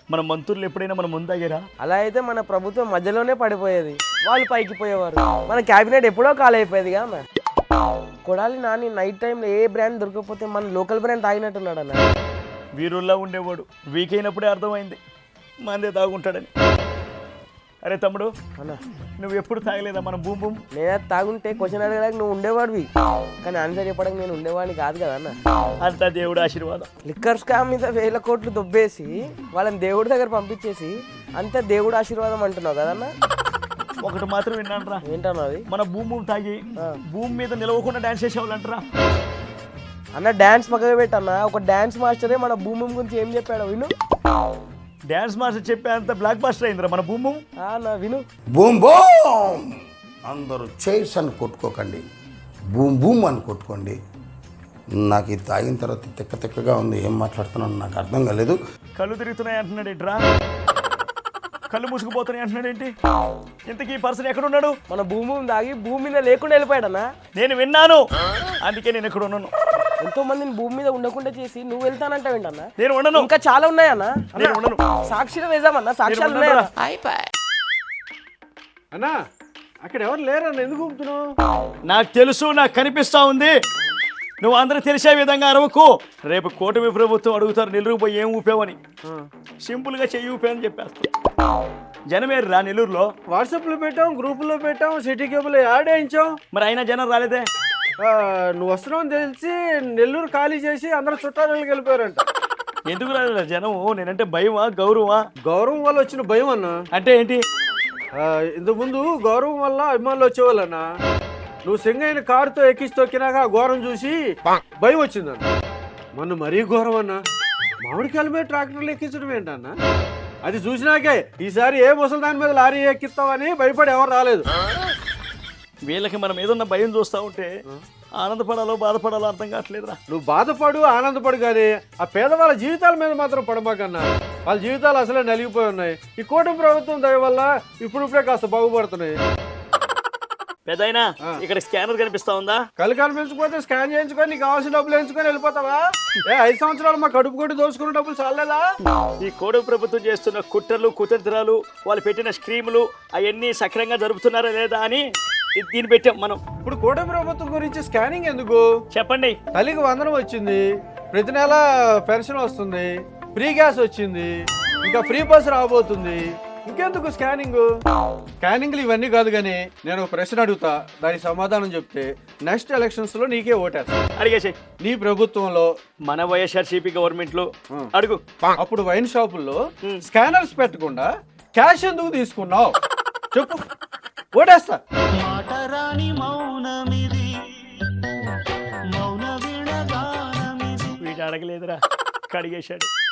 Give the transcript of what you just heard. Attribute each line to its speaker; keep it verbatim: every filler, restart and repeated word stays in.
Speaker 1: మన మంత్రులు ఎప్పుడైనా మన ముందాగారా?
Speaker 2: అలా అయితే మన ప్రభుత్వం మధ్యలోనే పడిపోయేది, వాళ్ళు పైకి పోయేవారు, మన క్యాబినెట్ ఎప్పుడో ఖాళీ అయిపోయేది కదా. కొడాలి నాని నైట్ టైంలో ఏ బ్రాండ్ దొరకకపోతే మన లోకల్ బ్రాండ్ తాగినట్టున్నాడు అన్న.
Speaker 1: వీరుల్లా ఉండేవాడు, వీక్ అయినప్పుడే అర్థమైంది మందే తాగుంటాడని. అరే తమ్ముడు
Speaker 2: అన్న,
Speaker 1: నువ్వు ఎప్పుడు తాగలేదా మన భూమి భూమి?
Speaker 2: నేనే తాగుంటే క్వశ్చన్ అడగడానికి నువ్వు ఉండేవాడివి, కానీ ఆన్సర్ చెప్పడానికి నేను ఉండేవాడిని కాదు కదా అన్న.
Speaker 1: అంతా దేవుడు ఆశీర్వాదం.
Speaker 2: లిక్కర్ స్కామ్ మీద వేల కోట్లు దొబ్బేసి వాళ్ళని దేవుడి దగ్గర పంపించేసి అంతే దేవుడు ఆశీర్వాదం అంటున్నావు కదన్న.
Speaker 1: ఒకటి మాత్రం విన్నాను రా.
Speaker 2: ఏంటన్నా అది?
Speaker 1: మన భూమి భూమి తాగి భూమి మీద నిలవకుండా డాన్స్ చేసేవాళ్ళు అంటారా
Speaker 2: అన్న. డాన్స్ పక్కగా పెట్టన్న, ఒక డాన్స్ మాస్టరే మన భూమి గురించి ఏం చెప్పాడు విను.
Speaker 1: డాన్స్ మాస్టర్ చెప్పే అంత బ్లాక్ బాస్టర్ అయిందిరా మన భూమి భూమి.
Speaker 2: అన్న విను.
Speaker 3: బూమ్ బూమ్ అందరూ చైర్స్ అని కొట్టుకోకండి, బూమ్ బూమ్ అని కొట్టుకోండి. నాకు ఇది తాగిన తర్వాత తిక్క తిక్కగా ఉంది, ఏం మాట్లాడుతున్నాను నాకు అర్థం కాలేదు.
Speaker 1: కళ్ళు తిరుగుతున్నాయి అంటున్నాడు ఏంట్రా? కళ్ళు మూసుకుపోతున్నాయి అంటున్నాడు ఏంటి? ఇంతకీ ఈ పర్సన్ ఎక్కడున్నాడు?
Speaker 2: మన భూమి తాగి భూమి మీద లేకుండా వెళ్ళిపోయాడన్నా.
Speaker 1: నేను విన్నాను, అందుకే నేను ఎక్కడ ఉన్నాను.
Speaker 2: ఎంతో మందిని భూమి మీద ఉండకుండా చేసి నువ్వు వెళ్తానంటే ఏంటన్నా?
Speaker 1: నేను ఉండను.
Speaker 2: ఇంకా చాలా ఉన్నాయన్నా.
Speaker 1: నేను ఉండను.
Speaker 2: సాక్షిలో వేసామన్నా, సాక్ష్యాలు ఉన్నాయన్నా.
Speaker 4: అన్నా అక్కడ ఎవరు లేరన్న, ఎందుకు ఊపుతున్నావు?
Speaker 1: నాకు తెలుసు, నాకు కనిపిస్తా ఉంది. నువ్వు అందరూ తెలిసే విధంగా అరవకు. రేపు కూటమి ప్రభుత్వం అడుగుతారు నెల్లూరు పోయి ఏం ఊపావని. సింపుల్గా చెయ్యి ఊపావని చెప్పేస్తా. జనమేరు రా నెల్లూరులో.
Speaker 4: వాట్సాప్లో పెట్టాం, గ్రూపుల్లో పెట్టాం, సిటీ కేబుల్ యాడ్ వేయించాం.
Speaker 1: మరి అయినా జనం రాలేదే.
Speaker 4: నువ్వు వస్తున్నావు తెలిసి నెల్లూరు ఖాళీ చేసి అందరూ చుట్టాలకు వెళ్ళిపోయారంట.
Speaker 1: ఎందుకు రాలేదు జనం? నేనంటే భయమా గౌరవమా?
Speaker 4: గౌరవం వల్ల వచ్చిన భయం అన్న.
Speaker 1: అంటే ఏంటి?
Speaker 4: ఇంతకుముందు గౌరవం వల్ల అభిమానులు వచ్చేవాళ్ళన్నా. నువ్వు సింగైన కారుతో ఎక్కిసి తొక్కినాక ఆ ఘోరం చూసి భయం వచ్చిందన్న. మొన్న మరీ ఘోరం అన్న, మామిడికాయల మీద ట్రాక్టర్లు ఎక్కించడం ఏంటన్నా? అది చూసినాకే ఈసారి ఏ ముసలి దాని మీద లారీ ఎక్కిస్తావని భయపడి ఎవరు రాలేదు.
Speaker 1: వీళ్ళకి మనం ఏదన్నా భయం చూస్తూ ఉంటే ఆనందపడాలో బాధపడాలో అర్థం కావట్లేదురా.
Speaker 4: నువ్వు బాధపడు ఆనందపడు కానీ ఆ పేదవాళ్ళ జీవితాల మీద మాత్రం పడమాకన్నా. వాళ్ళ జీవితాలు అసలే నలిగిపోయి ఉన్నాయి. ఈ కూటమి ప్రభుత్వం దయ వల్ల ఇప్పుడిప్పుడే కాస్త బాగుపడుతున్నాయి.
Speaker 1: పెద్దయినా ఇక్కడ స్కానర్ కనిపిస్తా ఉందా?
Speaker 4: కళ్ళు కనిపించకపోతే స్కాన్ చేయించుకొని నీకు కావాల్సిన డబ్బులు వేయించుకొని వెళ్ళిపోతావా? ఏ ఐదు సంవత్సరాలు మా కడుపు కొట్టి దోచుకున్న డబ్బులు చాలేదా?
Speaker 1: ఈ కూటమి ప్రభుత్వం చేస్తున్న కుట్రలు కుతంత్రాలు, వాళ్ళు పెట్టిన స్కీములు అవన్నీ సక్రంగా జరుపుతున్నారా లేదా అని దీన్ని పెట్టాం మనం.
Speaker 4: ఇప్పుడు కూటమి ప్రభుత్వం గురించి స్కానింగ్ ఎందుకు
Speaker 1: చెప్పండి.
Speaker 4: తల్లికి వందనం వచ్చింది, ప్రతి నెల పెన్షన్ వస్తుంది, ఫ్రీ గ్యాస్ వచ్చింది, ఇంకా ఫ్రీ బస్ రాబోతుంది, ఇంకెందుకు స్కానింగ్? స్కానింగ్లు ఇవన్నీ కాదు కానీ నేను ఒక ప్రశ్న అడుగుతా, దానికి సమాధానం చెప్తే నెక్స్ట్ ఎలక్షన్స్ లో నీకే ఓటేస్తా.
Speaker 1: అడిగేసి.
Speaker 4: నీ ప్రభుత్వంలో
Speaker 1: మన వైఎస్ఆర్సీపీ గవర్నమెంట్ లో అడుగు.
Speaker 4: అప్పుడు వైన్ షాపుల్లో స్కానర్స్ పెట్టకుండా క్యాష్ ఎందుకు తీసుకున్నావు చెప్పు, ఓటేస్తా.
Speaker 1: వీడు అడగలేదురా, కడిగేశాడు.